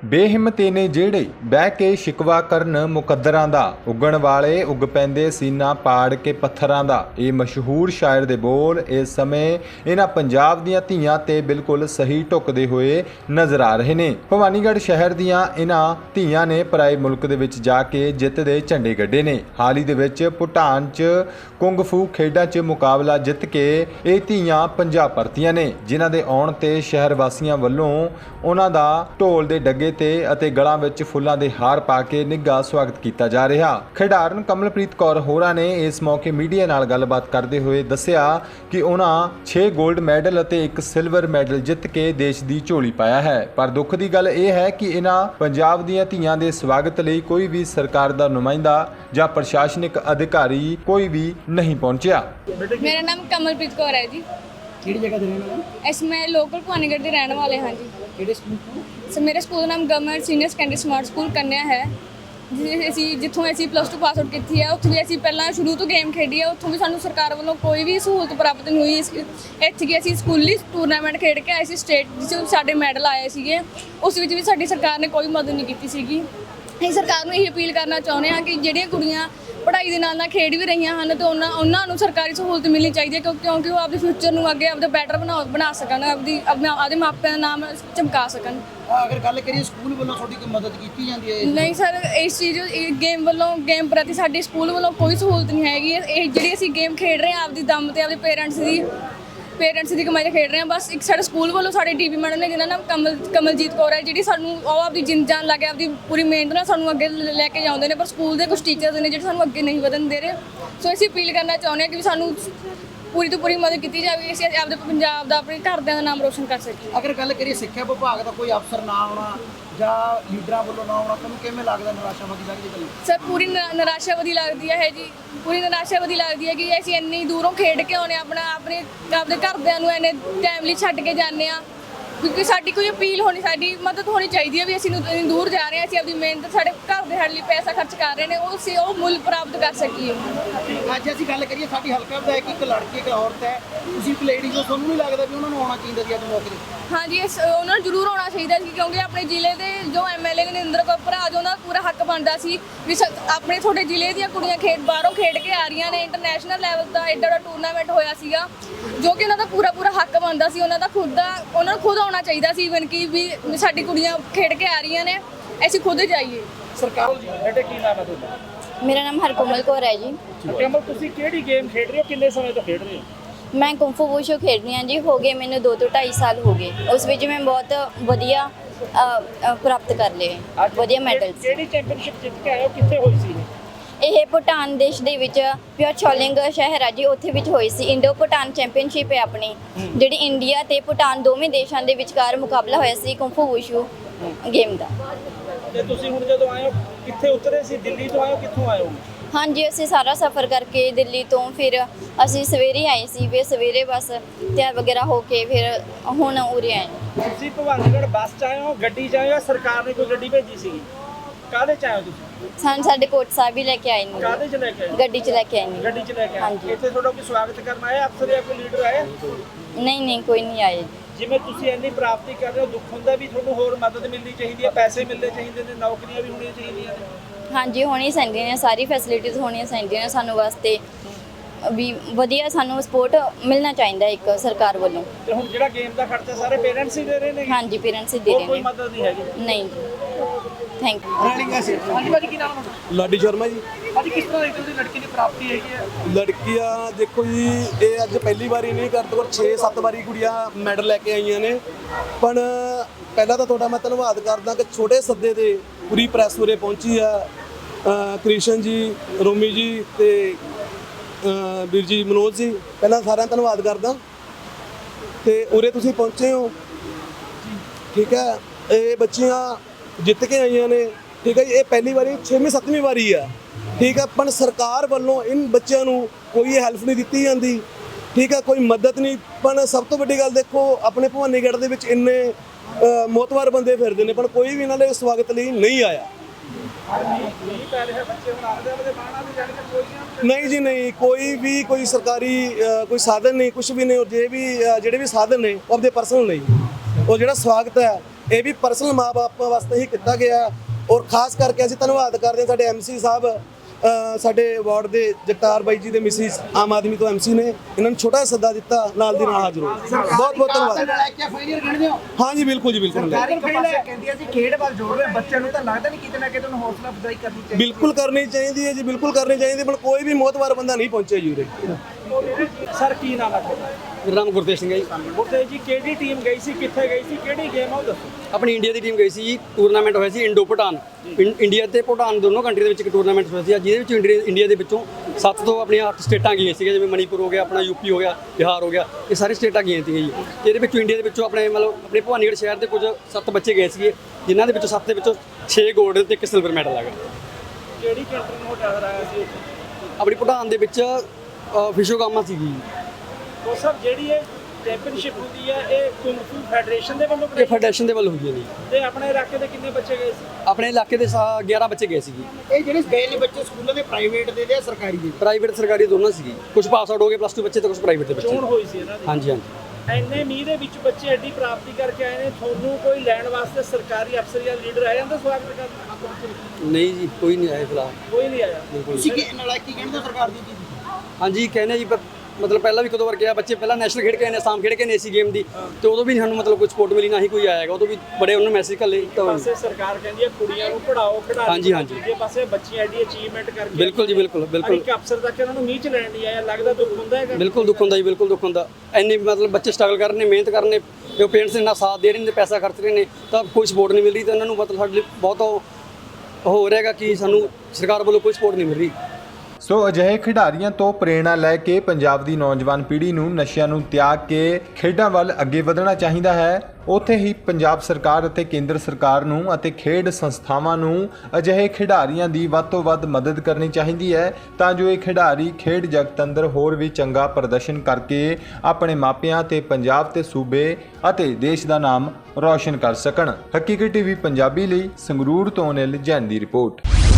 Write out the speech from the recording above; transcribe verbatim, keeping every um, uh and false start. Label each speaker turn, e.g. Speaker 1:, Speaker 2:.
Speaker 1: ਬੇਹਿੰਮਤੇ ਨੇ ਜਿਹੜੇ ਬਹਿ ਕੇ ਸ਼ਿਕਵਾ ਕਰਨ ਮੁਕੱਦਰਾਂ ਦਾ, ਉੱਗਣ ਵਾਲੇ ਉੱਗ ਪੈਂਦੇ ਸੀਨਾ ਪਾੜ ਕੇ ਪੱਥਰਾਂ ਦਾ। ਇਹ ਮਸ਼ਹੂਰ ਸ਼ਾਇਰ ਦੇ ਬੋਲ ਇਸ ਸਮੇਂ ਇਹਨਾਂ ਪੰਜਾਬ ਦੀਆਂ ਧੀਆਂ ਤੇ ਬਿਲਕੁਲ ਸਹੀ ਢੁੱਕਦੇ ਹੋਏ ਨਜ਼ਰ ਆ ਰਹੇ ਨੇ। ਭਵਾਨੀਗੜ੍ਹ ਸ਼ਹਿਰ ਦੀਆਂ ਇਹਨਾਂ ਧੀਆਂ ਨੇ ਪਰਾਏ ਮੁਲਕ ਦੇ ਵਿੱਚ ਜਾ ਕੇ ਜਿੱਤ ਦੇ ਝੰਡੇ ਗੱਡੇ ਨੇ। ਹਾਲ ਹੀ ਦੇ ਵਿੱਚ ਭੂਟਾਨ 'ਚ ਕੁੰਗ ਫੂ ਖੇਡਾਂ 'ਚ ਮੁਕਾਬਲਾ ਜਿੱਤ ਕੇ ਇਹ ਧੀਆਂ ਪੰਜਾਬ ਪਰਤੀਆਂ ਨੇ, ਜਿਨ੍ਹਾਂ ਦੇ ਆਉਣ ਤੇ ਸ਼ਹਿਰ ਵਾਸੀਆਂ ਵੱਲੋਂ ਉਹਨਾਂ ਦਾ ਢੋਲ ਦੇ ਡੱਗੇ ਤੇ ਅਤੇ ਗਲਾਂ ਵਿੱਚ ਫੁੱਲਾਂ ਦੇ ਹਾਰ ਪਾ ਕੇ ਨਿੱਘਾ ਸਵਾਗਤ ਕੀਤਾ ਜਾ ਰਿਹਾ। ਖਿਡਾਰਨ ਕਮਲਪ੍ਰੀਤ ਕੌਰ ਹੋਰਾਂ ਨੇ ਇਸ ਮੌਕੇ ਮੀਡੀਆ ਨਾਲ ਗੱਲਬਾਤ ਕਰਦੇ ਹੋਏ ਦੱਸਿਆ ਕਿ ਉਹਨਾਂ ਛੇ 골ਡ ਮੈਡਲ ਅਤੇ ਇੱਕ ਸਿਲਵਰ ਮੈਡਲ ਜਿੱਤ ਕੇ ਦੇਸ਼ ਦੀ ਝੋਲੀ ਪਾਇਆ ਹੈ। ਪਰ ਦੁੱਖ ਦੀ ਗੱਲ ਇਹ ਹੈ ਕਿ ਇਹਨਾਂ ਪੰਜਾਬ ਦੀਆਂ ਧੀਆਂ ਦੇ ਸਵਾਗਤ ਲਈ ਕੋਈ ਵੀ ਸਰਕਾਰ ਦਾ ਨੁਮਾਇੰਦਾ ਜਾਂ ਪ੍ਰਸ਼ਾਸਨਿਕ ਅਧਿਕਾਰੀ ਕੋਈ ਵੀ ਨਹੀਂ ਪਹੁੰਚਿਆ।
Speaker 2: ਮੇਰਾ ਨਾਮ ਕਮਲਪ੍ਰੀਤ ਕੌਰ ਹੈ ਜੀ।
Speaker 3: ਕਿਹੜੀ ਜਗ੍ਹਾ ਦੇ ਰਹਿਣ ਵਾਲੇ?
Speaker 2: ਇਸ ਮੈਂ ਲੋਕਲ ਭਵਾਨੀਗੜ੍ਹ ਦੇ ਰਹਿਣ ਵਾਲੇ ਹਾਂ ਜੀ।
Speaker 3: ਕਿਹੜੇ ਸਕੂਲ ਤੋਂ?
Speaker 2: ਸੋ ਮੇਰੇ ਸਕੂਲ ਦਾ ਨਾਮ government senior secondary smart school ਕੰਨਿਆ ਹੈ। ਜਿ- ਅਸੀਂ ਜਿੱਥੋਂ ਅਸੀਂ ਪਲੱਸ ਟੂ ਪਾਸ ਆਊਟ ਕੀਤੀ ਹੈ, ਉੱਥੋਂ ਵੀ ਅਸੀਂ ਪਹਿਲਾਂ ਸ਼ੁਰੂ ਤੋਂ ਗੇਮ ਖੇਡੀ ਹੈ। ਉੱਥੋਂ ਵੀ ਸਾਨੂੰ ਸਰਕਾਰ ਵੱਲੋਂ ਕੋਈ ਵੀ ਸਹੂਲਤ ਪ੍ਰਾਪਤ ਨਹੀਂ ਹੋਈ। ਇਸ- ਇੱਥੇ ਕਿ ਅਸੀਂ ਸਕੂਲੀ ਟੂਰਨਾਮੈਂਟ ਖੇਡ ਕੇ ਆਏ ਸੀ ਸਟੇਟ, ਜਿਸ ਵਿੱਚ ਸਾਡੇ ਮੈਡਲ ਆਏ ਸੀਗੇ। ਉਸ ਵਿੱਚ ਵੀ ਸਾਡੀ ਸਰਕਾਰ ਨੇ ਕੋਈ ਮਦਦ ਨਹੀਂ ਕੀਤੀ ਸੀਗੀ। ਅਸੀਂ ਸਰਕਾਰ ਨੂੰ ਇਹ ਅਪੀਲ ਕਰਨਾ ਚਾਹੁੰਦੇ ਹਾਂ ਕਿ ਜਿਹੜੀਆਂ ਕੁੜੀਆਂ ਪੜ੍ਹਾਈ ਦੇ ਨਾਲ ਨਾਲ ਖੇਡ ਵੀ ਰਹੀਆਂ ਹਨ ਤੇ ਉਹਨਾਂ ਉਹਨਾਂ ਨੂੰ ਸਰਕਾਰੀ ਸਹੂਲਤ ਮਿਲਣੀ ਚਾਹੀਦੀ ਹੈ, ਕਿਉਂਕਿ ਕਿਉਂਕਿ ਉਹ ਆਪਣੇ ਫਿਊਚਰ ਨੂੰ ਅੱਗੇ ਆਪਣੇ ਬੈਟਰ ਬਣਾ ਬਣਾ ਸਕਣ, ਆਪਦੀ ਆਪਣੇ ਆਪਦੇ ਮਾਪਿਆਂ ਦਾ ਨਾਮ ਚਮਕਾ ਸਕਣ।
Speaker 3: ਅਗਰ ਗੱਲ ਕਰੀਏ ਸਕੂਲ ਵੱਲੋਂ ਤੁਹਾਡੀ ਕੋਈ ਮਦਦ ਕੀਤੀ ਜਾਂਦੀ ਹੈ?
Speaker 2: ਨਹੀਂ ਸਰ, ਇਸ ਚੀਜ਼ ਗੇਮ ਵੱਲੋਂ ਗੇਮ ਪ੍ਰਤੀ ਸਾਡੀ ਸਕੂਲ ਵੱਲੋਂ ਕੋਈ ਸਹੂਲਤ ਨਹੀਂ ਹੈਗੀ। ਇਹ ਜਿਹੜੀ ਅਸੀਂ ਗੇਮ ਖੇਡ ਰਹੇ ਹਾਂ ਆਪਦੀ ਦਮ ਤੇ, ਆਪਦੇ ਪੇਰੈਂਟਸ ਦੀ ਪੇਰੈਂਟਸ ਦੀ ਕਮਾਈ 'ਤੇ ਖੇਡ ਰਹੇ ਹਾਂ। ਬਸ ਇੱਕ ਸਾਡੇ ਸਕੂਲ ਵੱਲੋਂ ਸਾਡੇ ਡੀ ਪੀ ਮੈਡਮ ਨੇ, ਜਿਹਨਾਂ ਨਾਮ ਕਮਲ ਕਮਲਜੀਤ ਕੌਰ ਹੈ, ਜਿਹੜੀ ਸਾਨੂੰ ਉਹ ਆਪਦੀ ਜਿੰਦ ਜਾਨ ਲਾ ਕੇ ਆਪਦੀ ਪੂਰੀ ਮਿਹਨਤ ਨਾਲ ਸਾਨੂੰ ਅੱਗੇ ਲੈ ਕੇ ਜਾਂਦੇ ਨੇ। ਪਰ ਸਕੂਲ ਦੇ ਕੁਝ ਟੀਚਰਸ ਨੇ ਜਿਹੜੇ ਸਾਨੂੰ ਅੱਗੇ ਨਹੀਂ ਵਧਣ ਦੇ ਰਹੇ। ਸੋ ਅਸੀਂ ਅਪੀਲ ਕਰਨਾ ਚਾਹੁੰਦੇ ਹਾਂ ਕਿ ਸਾਨੂੰ ਪੂਰੀ ਤੋਂ ਪੂਰੀ ਮਦਦ ਕੀਤੀ ਜਾਵੇ, ਅਸੀਂ ਆਪਦੇ ਪੰਜਾਬ ਦਾ, ਆਪਣੇ ਘਰਦਿਆਂ ਦਾ ਨਾਮ ਰੋਸ਼ਨ ਕਰ ਸਕੀਏ।
Speaker 3: ਅਗਰ ਗੱਲ ਕਰੀਏ ਸਿੱਖਿਆ ਵਿਭਾਗ ਦਾ ਕੋਈ ਅਫਸਰ ਨਾ ਆਉਣਾ ਜਾਂ ਲੀਡਰਾਂ ਵੱਲੋਂ ਨਾ ਆਉਣਾ, ਤੁਹਾਨੂੰ ਕਿਵੇਂ ਲੱਗਦਾ? ਨਿਰਾਸ਼ਾਵਾਦੀ ਲੱਗਦੀ ਗੱਲ?
Speaker 2: ਸਰ ਪੂਰੀ ਨਿਰਾ- ਨਿਰਾਸ਼ਾਵਾਦੀ ਲੱਗਦੀ ਹੈ ਜੀ। ਪੂਰੀ ਨਿਰਾਸ਼ਾਵਾਦੀ ਲੱਗਦੀ ਹੈ ਕਿ ਅਸੀਂ ਇੰਨੀ ਦੂਰੋਂ ਖੇਡ ਕੇ ਆਉਂਦੇ ਹਾਂ, ਆਪਣਾ ਆਪਣੇ ਆਪਦੇ ਘਰਦਿਆਂ ਨੂੰ ਇੰਨੇ ਟਾਈਮ ਲਈ ਛੱਡ ਕੇ ਜਾਂਦੇ ਹਾਂ, ਕਿਉਂਕਿ ਸਾਡੀ ਕੋਈ ਅਪੀਲ ਹੋਣੀ, ਸਾਡੀ ਮਦਦ ਹੋਣੀ ਚਾਹੀਦੀ ਹੈ ਵੀ ਅਸੀਂ ਇੰਨੀ ਦੂਰ ਜਾ ਰਹੇ ਹਾਂ, ਅਸੀਂ ਆਪਦੀ ਮਿਹਨਤ, ਸਾਡੇ ਘਰ ਦੇ ਸਾਡੇ ਲਈ ਪੈਸਾ ਖਰਚ ਕਰ ਰਹੇ ਨੇ, ਉਹ ਅਸੀਂ ਉਹ ਮੁੱਲ ਪ੍ਰਾਪਤ ਕਰ ਸਕੀਏ।
Speaker 3: ਅੱਜ ਅਸੀਂ ਗੱਲ ਕਰੀਏ, ਸਾਡੀ ਹਲਕਾ ਵਿਧਾਇਕ ਇੱਕ ਲੜਕੀ ਇੱਕ ਔਰਤ ਹੈ, ਤੁਸੀਂ ਇੱਕ ਲੇਡੀ ਹੋ, ਤੁਹਾਨੂੰ ਨਹੀਂ ਲੱਗਦਾ ਵੀ ਉਹਨਾਂ ਨੂੰ ਆਉਣਾ ਚਾਹੀਦਾ ਸੀ ਅੱਜ ਮੌਕੇ 'ਤੇ?
Speaker 2: ਹਾਂਜੀ, ਇਸ ਉਹਨਾਂ ਨੂੰ ਜ਼ਰੂਰ ਆਉਣਾ ਚਾਹੀਦਾ ਸੀ, ਕਿਉਂਕਿ ਆਪਣੇ ਜ਼ਿਲ੍ਹੇ ਦੇ ਜੋ ਐਮ ਐਲ ਏ ਨੇ ਨਰਿੰਦਰ ਕੌਰ ਭਰਾਜ, ਉਹਨਾਂ ਦਾ ਪੂਰਾ ਹੱਕ ਬਣਦਾ ਸੀ ਵੀ ਸ ਆਪਣੇ ਤੁਹਾਡੇ ਜ਼ਿਲ੍ਹੇ ਦੀਆਂ ਕੁੜੀਆਂ ਖੇਡ ਬਾਹਰੋਂ ਖੇਡ ਕੇ ਆ ਰਹੀਆਂ ਨੇ। ਇੰਟਰਨੈਸ਼ਨਲ ਲੈਵਲ ਦਾ ਐਡਾ ਵੱਡਾ ਟੂਰਨਾਮੈਂਟ ਹੋਇਆ ਸੀਗਾ, ਜੋ ਕਿ ਉਹਨਾਂ ਦਾ ਪੂਰਾ ਪੂਰਾ ਹੱਕ ਬਣਦਾ ਸੀ। ਉਹਨਾਂ ਦਾ ਖੁਦ ਦਾ ਉਹਨਾਂ ਨੂੰ ਖੁਦ ਆਉਣਾ ਚਾਹੀਦਾ ਸੀ, ਇਵਨ ਕਿ ਵੀ ਸਾਡੀ ਕੁੜੀਆਂ ਖੇਡ ਕੇ ਆ ਰਹੀਆਂ ਨੇ, ਅਸੀਂ ਖੁਦ ਜਾਈਏ।
Speaker 3: ਸਰਕਾਰ ਬੇਟੇ ਕੀ ਨਾਮ ਹੈ ਤੁਹਾਡਾ?
Speaker 4: ਮੇਰਾ ਨਾਮ ਹਰਕੋਮਲ ਕੌਰ ਹੈ ਜੀ।
Speaker 3: ਕਮਲ, ਤੁਸੀਂ ਕਿਹੜੀ ਗੇਮ ਖੇਡ ਰਹੇ ਹੋ? ਕਿੰਨੇ ਸਮੇਂ ਤੋਂ ਖੇਡ ਰਹੇ ਹੋ?
Speaker 4: ਮੈਂ ਕੁੰਫੂ ਵੂਸ਼ੂ ਖੇਡ ਰਹੀ ਹਾਂ ਜੀ। ਹੋ ਗਏ ਮੈਨੂੰ ਦੋ ਤੋਂ ਢਾਈ ਸਾਲ ਹੋ ਗਏ। ਉਸ ਵਿੱਚ ਮੈਂ ਬਹੁਤ ਵਧੀਆ ਅ, ਅ, ਪ੍ਰਾਪਤ ਕਰ ਲਏ, ਵਧੀਆ ਮੈਡਲਸ।
Speaker 3: ਕਿਹੜੀ ਚੈਂਪੀਅਨਸ਼ਿਪ ਜਿੱਤ ਕੇ ਆਏ ਹੋ? ਕਿੱਥੇ ਹੋਈ ਸੀ
Speaker 4: ਇਹ ਭੂਟਾਨ ਦੇਸ਼ ਦੇ ਵਿੱਚ ਪਿਓ ਛੋਲਿੰਗ ਸ਼ਹਿਰ ਹੈ ਜੀ, ਉੱਥੇ ਵਿੱਚ ਹੋਈ ਸੀ। ਇੰਡੋ ਭੂਟਾਨ ਚੈਂਪੀਅਨਸ਼ਿਪ ਹੈ ਆਪਣੀ, ਜਿਹੜੀ ਇੰਡੀਆ ਤੇ ਭੂਟਾਨ ਦੋਵੇਂ ਦੇਸ਼ਾਂ ਦੇ ਵਿਚਕਾਰ ਮੁਕਾਬਲਾ ਹੋਇਆ ਸੀ ਕੁੰਫੂ ਵੂਸ਼ੂ ਗੇਮ ਦਾ।
Speaker 3: ਤੇ ਤੁਸੀਂ ਹੁਣ ਜਦੋਂ ਆਏ ਹੋ ਕਿੱਥੇ ਉਤਰੇ ਸੀ? ਦਿੱਲੀ ਤੋਂ ਆਏ ਹੋ? ਕਿੱਥੋਂ ਆਏ ਹੋ?
Speaker 4: ਹਾਂਜੀ, ਅਸੀਂ ਸਾਰਾ ਸਫ਼ਰ ਕਰਕੇ ਦਿੱਲੀ ਤੋਂ ਫਿਰ ਅਸੀਂ ਸਵੇਰੇ ਆਏ ਸੀ। ਫਿਰ ਸਵੇਰੇ ਬਸ ਤਿਆਰ ਵਗੈਰਾ ਹੋ ਕੇ ਫਿਰ ਹੁਣ ਉਰੇ ਆਏ।
Speaker 3: ਤੁਸੀਂ ਭਵਾਨੀਗੜ੍ਹ ਬੱਸ 'ਚ ਆਏ ਹੋ, ਗੱਡੀ 'ਚ ਆਏ ਹੋ, ਜਾਂ ਸਰਕਾਰ ਨੇ ਕੋਈ ਗੱਡੀ ਭੇਜੀ ਸੀਗੀ? ਕਾਹਦੇ 'ਚ ਆਏ ਹੋ ਤੁਸੀਂ?
Speaker 4: ਸਾਨੂੰ ਸਾਡੇ ਕੋਚ ਸਾਹਿਬ ਵੀ ਲੈ ਕੇ ਆਏ ਨੇ,
Speaker 3: ਕਾਹਦੇ 'ਚ ਲੈ ਕੇ ਆਏ?
Speaker 4: ਗੱਡੀ 'ਚ ਲੈ ਕੇ ਆਏ ਨੇ।
Speaker 3: ਗੱਡੀ 'ਚ ਲੈ ਕੇ ਆਏ।
Speaker 4: ਹਾਂਜੀ।
Speaker 3: ਇੱਥੇ ਤੁਹਾਡਾ ਕੋਈ ਸਵਾਗਤ ਕਰਨ ਆਇਆ ਅਫਸਰ ਜਾਂ ਕੋਈ ਲੀਡਰ ਆਇਆ?
Speaker 4: ਨਹੀਂ ਨਹੀਂ, ਕੋਈ ਨਹੀਂ ਆਏ।
Speaker 3: ਜਿਵੇਂ ਤੁਸੀਂ ਇੰਨੀ ਪ੍ਰਾਪਤੀ ਕਰ ਰਹੇ ਹੋ, ਦੁੱਖ ਹੁੰਦਾ ਵੀ ਤੁਹਾਨੂੰ ਹੋਰ ਮਦਦ ਮਿਲਣੀ ਚਾਹੀਦੀ ਹੈ, ਪੈਸੇ ਮਿਲਣੇ ਚਾਹੀਦੇ ਨੇ, ਨੌਕਰੀਆਂ ਵੀ ਹੋਣੀਆਂ ਚਾਹੀਦੀਆਂ ਨੇ।
Speaker 4: ਹਾਂਜੀ, ਹੋਣੀ ਚਾਹੀਦੀਆਂ ਨੇ, ਸਾਰੀ ਫੈਸਿਲਿਟੀਜ਼ ਹੋਣੀਆਂ ਚਾਹੀਦੀਆਂ ਨੇ ਸਾਨੂੰ ਵਾਸਤੇ ਵੀ ਵਧੀਆ, ਸਾਨੂੰ ਸਪੋਰਟ ਮਿਲਣਾ ਚਾਹੀਦਾ ਇੱਕ ਸਰਕਾਰ ਵੱਲੋਂ।
Speaker 3: ਤੇ ਹੁਣ ਜਿਹੜਾ ਗੇਮ ਦਾ ਖਰਚਾ ਸਾਰੇ ਪੇਰੈਂਟਸ ਹੀ ਦੇ ਰਹੇ ਨੇ?
Speaker 4: ਹਾਂਜੀ, ਪੇਰੈਂਟਸ ਹੀ ਦੇ
Speaker 3: ਹੋਰ
Speaker 4: ਰਹੇ
Speaker 3: ਕੋਈ
Speaker 4: ਨੇ।
Speaker 3: ਮਦਦ ਨਹੀਂ ਹੈਗੀ?
Speaker 4: ਨਹੀਂ ਜੀ, ਥੈਂਕ ਯੂ।
Speaker 3: ਹਾਂਜੀ ਭਾਜੀ, ਕੀ ਨਾਮ ਹੈ ਤੁਹਾਡਾ?
Speaker 5: ਲਾਡੀ ਸ਼ਰਮਾ ਜੀ।
Speaker 3: ਭਾਜੀ, ਕਿਸ ਤਰ੍ਹਾਂ ਦੇਖਦੇ ਹੋ ਲੜਕੀ ਦੀ ਪ੍ਰਾਪਤੀ ਹੈਗੀ ਹੈ?
Speaker 5: ਲੜਕੀਆਂ ਦੇਖੋ ਜੀ, ਇਹ ਅੱਜ ਪਹਿਲੀ ਵਾਰੀ ਨਹੀਂ, ਘੱਟ ਤੋਂ ਘੱਟ ਛੇ ਸੱਤ ਵਾਰੀ ਕੁੜੀਆਂ ਮੈਡਲ ਲੈ ਕੇ ਆਈਆਂ ਨੇ। ਪਰ ਪਹਿਲਾਂ ਤਾਂ ਤੁਹਾਡਾ ਮੈਂ ਧੰਨਵਾਦ ਕਰਦਾ ਕਿ ਛੋਟੇ ਸੱਦੇ ਤੇ ਪੂਰੀ ਪ੍ਰੈਸ ਉਰੇ ਪਹੁੰਚੀ ਆ। ਕ੍ਰਿਸ਼ਨ ਜੀ, ਰੋਮੀ ਜੀ ਤੇ ਵੀਰ ਜੀ ਮਨੋਜ ਜੀ, ਪਹਿਲਾਂ ਸਾਰਿਆਂ ਦਾ ਧੰਨਵਾਦ ਕਰਦਾ। ਤੇ ਉਰੇ ਤੁਸੀਂ ਪਹੁੰਚੇ ਹੋ, ਠੀਕ ਹੈ। ਇਹ ਬੱਚੀਆਂ ਜਿੱਤ ਕੇ ਆਈਆਂ ਨੇ, ਠੀਕ ਹੈ ਜੀ। ਇਹ ਪਹਿਲੀ ਵਾਰੀ ਛੇਵੀਂ ਸੱਤਵੀਂ ਵਾਰੀ ਆ, ਠੀਕ ਹੈ। ਪਰ ਸਰਕਾਰ ਵੱਲੋਂ ਇਨ ਬੱਚਿਆਂ ਨੂੰ ਕੋਈ ਹੈਲਪ ਨਹੀਂ ਦਿੱਤੀ ਜਾਂਦੀ, ਠੀਕ ਹੈ, ਕੋਈ ਮਦਦ ਨਹੀਂ। ਪਰ ਸਭ ਤੋਂ ਵੱਡੀ ਗੱਲ ਦੇਖੋ, ਆਪਣੇ ਭਵਾਨੀਗੜ੍ਹ ਦੇ ਵਿੱਚ ਇੰਨੇ ਮੋਤਵਾਰ ਬੰਦੇ ਫਿਰਦੇ ਨੇ, ਪਰ ਕੋਈ ਵੀ ਇਹਨਾਂ ਦੇ ਸਵਾਗਤ ਲਈ ਨਹੀਂ ਆਇਆ। ਨਹੀਂ ਜੀ, ਨਹੀਂ, ਕੋਈ ਵੀ ਕੋਈ ਸਰਕਾਰੀ ਕੋਈ ਸਾਧਨ ਨਹੀਂ, ਕੁਝ ਵੀ ਨਹੀਂ। ਜੇ ਵੀ ਜਿਹੜੇ ਵੀ ਸਾਧਨ ਨੇ ਉਹ ਆਪਦੇ ਪਰਸਨਲ ਨਹੀਂ। ਉਹ ਜਿਹੜਾ ਸਵਾਗਤ ਹੈ ਇਹ ਵੀ ਪਰਸਨਲ ਮਾਂ-ਬਾਪ ਵਾਸਤੇ ਹੀ ਕੀਤਾ ਗਿਆ ਔਰ ਖਾਸ ਕਰਕੇ ਅਸੀਂ ਧੰਨਵਾਦ ਕਰਦੇ ਹਾਂ ਸਾਡੇ ਐਮਸੀ ਸਾਹਿਬ ਅ, ਸਾਡੇ ਵਾਰਡ ਦੇ ਜਗਤਾਰ ਬਾਈ ਜੀ ਦੇ ਮਿਸਿਸ ਆਮ ਆਦਮੀ ਤੋਂ ਐਮਸੀ ਨੇ ਇਹਨਾਂ ਨੂੰ ਛੋਟਾ ਸੱਦਾ ਦਿੱਤਾ, ਨਾਲ ਦੀ ਨਾਲ ਹਾਜ਼ਰ ਹੋਏ। ਬਹੁਤ ਬਹੁਤ ਧੰਨਵਾਦ। ਹਾਂ ਜੀ ਬਿਲਕੁਲ ਜੀ ਬਿਲਕੁਲ
Speaker 3: ਕਹਿੰਦੀ ਅਸੀਂ ਖੇਡ ਵੱਲ ਜੋੜ ਰਹੇ ਬੱਚਿਆਂ ਨੂੰ, ਤਾਂ ਲੱਗਦਾ ਨਹੀਂ ਕਿਤੇ ਨਾ ਕਿਤੇ ਉਹਨੂੰ ਹੌਸਲਾ ਅਫਜ਼ਾਈ ਕਰਨੀ ਚਾਹੀਦੀ?
Speaker 5: ਬਿਲਕੁਲ ਕਰਨੀ ਚਾਹੀਦੀ ਹੈ ਜੀ, ਬਿਲਕੁਲ ਕਰਨੀ ਚਾਹੀਦੀ, ਪਰ ਕੋਈ ਵੀ ਮੋਤਬਾਰ ਬੰਦਾ ਨਹੀਂ ਪਹੁੰਚਿਆ ਜੀ ਉਰੇ।
Speaker 3: ਸਰ ਕੀ ਨਾਮ ਹੈ ਤੁਹਾਡਾ?
Speaker 6: ਮੇਰਾ ਨਾਮ ਗੁਰਤੇਜ ਸਿੰਘ ਹੈ ਜੀ।
Speaker 3: ਗੁਰਤੇਜ ਜੀ, ਕਿਹੜੀ ਟੀਮ ਗਈ ਸੀ, ਕਿੱਥੇ ਗਈ ਸੀ, ਕਿਹੜੀ ਗੇਮ ਆ ਉਹ ਦੱਸੋ।
Speaker 6: ਆਪਣੀ ਇੰਡੀਆ ਦੀ ਟੀਮ ਗਈ ਸੀ ਜੀ, ਟੂਰਨਾਮੈਂਟ ਹੋਇਆ ਸੀ ਇੰਡੋ ਭੂਟਾਨ। ਇੰ- ਇੰਡੀਆ ਤੇ ਭੂਟਾਨ ਦੋਨੋਂ ਕੰਟਰੀ ਦੇ ਵਿੱਚ ਇੱਕ ਟੂਰਨਾਮੈਂਟ ਹੋਇਆ ਸੀ, ਜਿਹਦੇ ਵਿੱਚ ਇੰਡੀਆ ਇੰਡੀਆ ਦੇ ਵਿੱਚੋਂ ਸੱਤ ਤੋਂ ਆਪਣੀਆਂ ਅੱਠ ਸਟੇਟਾਂ ਗਈਆਂ ਸੀਗੀਆਂ, ਜਿਵੇਂ ਮਣੀਪੁਰ ਹੋ ਗਿਆ, ਆਪਣਾ ਯੂਪੀ ਹੋ ਗਿਆ, ਬਿਹਾਰ ਹੋ ਗਿਆ, ਇਹ ਸਾਰੀ ਸਟੇਟਾਂ ਗਈਆਂ ਸੀਗੀਆਂ ਜੀ। ਇਹਦੇ ਵਿੱਚੋਂ ਇੰਡੀਆ ਦੇ ਵਿੱਚੋਂ ਆਪਣੇ ਮਤਲਬ ਆਪਣੇ ਭਵਾਨੀਗੜ੍ਹ ਸ਼ਹਿਰ ਦੇ ਕੁਝ ਸੱਤ ਬੱਚੇ ਗਏ ਸੀਗੇ, ਜਿਨ੍ਹਾਂ ਦੇ ਵਿੱਚੋਂ ਸੱਤ ਦੇ ਵਿੱਚੋਂ ਛੇ 골ਡ ਤੇ ਇੱਕ ਸਿਲਵਰ ਮੈਡਲ ਆ ਗਿਆ।
Speaker 3: ਕਿਹੜੀ ਕੰਟਰੀ ਨੂੰ ਹਰਾਇਆ ਸੀ ਉੱਥੇ?
Speaker 6: ਆਪਣੀ ਭੂਟਾਨ ਦੇ ਵਿੱਚ ਵਿਸ਼ਵਕਰਮਾ ਸੀਗੀ।
Speaker 3: ਉਹ ਸਭ ਜਿਹੜੀ ਇਹ ਚੈਂਪੀਅਨਸ਼ਿਪ ਹੁੰਦੀ ਹੈ ਇਹ ਕੁੰਗ ਫੂ ਫੈਡਰੇਸ਼ਨ ਦੇ ਵੱਲੋਂ
Speaker 6: ਇਹ
Speaker 3: ਕਰਾਈ?
Speaker 6: ਫੈਡਰੇਸ਼ਨ ਦੇ ਵੱਲ ਹੁੰਦੀਆਂ ਨੇ।
Speaker 3: ਤੇ ਆਪਣੇ ਇਲਾਕੇ ਦੇ ਕਿੰਨੇ ਬੱਚੇ ਗਏ ਸੀ?
Speaker 6: ਆਪਣੇ ਇਲਾਕੇ ਦੇ ਸਾ- ਗਿਆਰਾਂ ਬੱਚੇ ਗਏ ਸੀਗੇ।
Speaker 7: ਇਹ ਜਿਹੜੇ ਗਏ ਨੇ ਬੱਚੇ ਸਕੂਲਾਂ ਦੇ ਪ੍ਰਾਈਵੇਟ ਦੇ ਜਾਂ ਸਰਕਾਰੀ ਦੇ?
Speaker 6: ਪ੍ਰਾਈਵੇਟ ਸਰਕਾਰੀ ਦੋਨੋਂ ਸੀਗੀ, ਕੁਝ ਪਾਸ ਆਊਟ ਹੋ ਗਏ ਪਲੱਸ ਟੂ ਬੱਚੇ ਤੇ ਕੁਝ ਪ੍ਰਾਈਵੇਟ ਦੇ ਬੱਚੇ।
Speaker 3: ਚੋਣ ਹੋਈ ਸੀ ਇਹਨਾਂ ਦੀ?
Speaker 6: ਹਾਂਜੀ ਹਾਂਜੀ।
Speaker 3: ਇੰਨੇ ਮੀਂਹ ਦੇ ਵਿੱਚ ਬੱਚੇ ਐਡੀ ਪ੍ਰਾਪਤੀ ਕਰਕੇ ਆਏ ਨੇ, ਤੁਹਾਨੂੰ ਕੋਈ ਲੈਣ ਵਾਸਤੇ ਸਰਕਾਰੀ ਅਫਸਰ ਜਾਂ ਲੀਡਰ ਆਇਆ ਜਾਂਦਾ ਸਵਾਗਤ ਕਰਨ?
Speaker 6: ਨਹੀਂ ਜੀ, ਕੋਈ ਨਹੀਂ ਆਇਆ ਫਿਲਹਾਲ।
Speaker 3: ਕੋਈ ਨਹੀਂ ਆਇਆ।
Speaker 7: ਤੁਸੀਂ ਕੀ ਨਲਾਇਕੀ ਕਹਿੰਦੇ ਹੋ ਸਰਕਾਰ ਦੀ ਚੀਜ਼?
Speaker 6: ਹਾਂਜੀ ਕਹਿੰਦੇ ਜੀ, ਪਰ ਮਤਲਬ ਪਹਿਲਾਂ ਵੀ ਕਦੋਂ ਵਾਰ ਗਿਆ, ਬੱਚੇ ਪਹਿਲਾਂ ਨੈਸ਼ਨਲ ਖੇਡ ਕੇ ਆਏ ਨੇ, ਆਸਾਮ ਖੇਡ ਕੇ ਨੇ ਏਸੀ ਗੇਮ ਦੀ, ਤੇ ਉਦੋਂ ਵੀ ਸਾਨੂੰ ਮਤਲਬ ਕੋਈ ਸਪੋਰਟ ਮਿਲੀ, ਨਾ ਹੀ ਕੋਈ ਆਏਗਾ। ਉਦੋਂ ਵੀ ਬੜੇ ਉਹਨਾਂ ਮੈਸੇਜ ਘੱਲੇ ਤਾਂ
Speaker 3: ਪਾਸੇ ਸਰਕਾਰ ਕਹਿੰਦੀ ਹੈ ਕੁੜੀਆਂ ਨੂੰ ਪੜਾਓ ਖਿਡਾਓ,
Speaker 6: ਹਾਂਜੀ, ਹਾਂਜੀ।
Speaker 3: ਦੂਜੇ ਪਾਸੇ ਬੱਚੀਆਂ ਐਡੀ ਅਚੀਵਮੈਂਟ ਕਰਕੇ
Speaker 6: ਬਿਲਕੁਲ ਜੀ ਬਿਲਕੁਲ ਬਿਲਕੁਲ
Speaker 3: ਇੱਕ ਅਫਸਰ ਤੱਕ ਇਹਨਾਂ ਨੂੰ ਮੀਂਹ ਚ ਲੈਣ ਨਹੀਂ ਆਇਆ, ਲੱਗਦਾ ਦੁੱਖ ਹੁੰਦਾ ਹੈਗਾ?
Speaker 6: ਬਿਲਕੁਲ ਦੁੱਖ ਹੁੰਦਾ ਜੀ, ਬਿਲਕੁਲ ਦੁੱਖ ਹੁੰਦਾ। ਇੰਨੇ ਮਤਲਬ ਬੱਚੇ ਸਟਰਗਲ ਕਰ ਰਹੇ ਨੇ, ਮਿਹਨਤ ਕਰ ਰਹੇ ਨੇ, ਜੋ ਪੇਰੈਂਟਸ ਇੰਨਾ ਸਾਥ ਦੇ ਰਹੇ ਨੇ, ਪੈਸਾ ਖਰਚ ਰਹੇ ਨੇ, ਤਾਂ ਕੋਈ ਸਪੋਰਟ ਨਹੀਂ ਮਿਲ ਰਹੀ। ਤਾਂ ਇਹਨਾਂ ਨੂੰ ਮਤਲਬ ਸਾਡੇ ਲਈ ਬਹੁਤ ਉਹ ਹੋ ਰਿਹਾਗਾ ਕਿ ਸਾਨੂੰ ਸਰਕਾਰ ਵੱਲੋਂ ਕੋਈ ਸਪੋਰਟ ਨਹੀਂ ਮਿਲ ਰਹੀ।
Speaker 1: ਸੋ ਅਜਿਹੇ ਖਿਡਾਰੀਆਂ ਤੋਂ ਪ੍ਰੇਰਣਾ ਲੈ ਕੇ ਪੰਜਾਬ ਦੀ ਨੌਜਵਾਨ ਪੀੜ੍ਹੀ ਨੂੰ ਨਸ਼ਿਆਂ ਨੂੰ ਤਿਆਗ ਕੇ ਖੇਡਾਂ ਵੱਲ ਅੱਗੇ ਵਧਣਾ ਚਾਹੀਦਾ ਹੈ। ਉੱਥੇ ਹੀ ਪੰਜਾਬ ਸਰਕਾਰ ਅਤੇ ਕੇਂਦਰ ਸਰਕਾਰ ਨੂੰ ਅਤੇ ਖੇਡ ਸੰਸਥਾਵਾਂ ਨੂੰ ਅਜਿਹੇ ਖਿਡਾਰੀਆਂ ਦੀ ਵੱਧ ਤੋਂ ਵੱਧ ਮਦਦ ਕਰਨੀ ਚਾਹੀਦੀ ਹੈ, ਤਾਂ ਜੋ ਇਹ ਖਿਡਾਰੀ ਖੇਡ ਜਗਤ ਅੰਦਰ ਹੋਰ ਵੀ ਚੰਗਾ ਪ੍ਰਦਰਸ਼ਨ ਕਰਕੇ ਆਪਣੇ ਮਾਪਿਆਂ ਤੇ ਪੰਜਾਬ ਤੇ ਸੂਬੇ ਅਤੇ ਦੇਸ਼ ਦਾ ਨਾਮ ਰੌਸ਼ਨ ਕਰ ਸਕਣ। ਹਕੀਕਤ ਟੀਵੀ ਪੰਜਾਬੀ ਲਈ ਸੰਗਰੂਰ ਤੋਂ ਅਨਿਲ ਜੈਨ ਦੀ ਰਿਪੋਰਟ।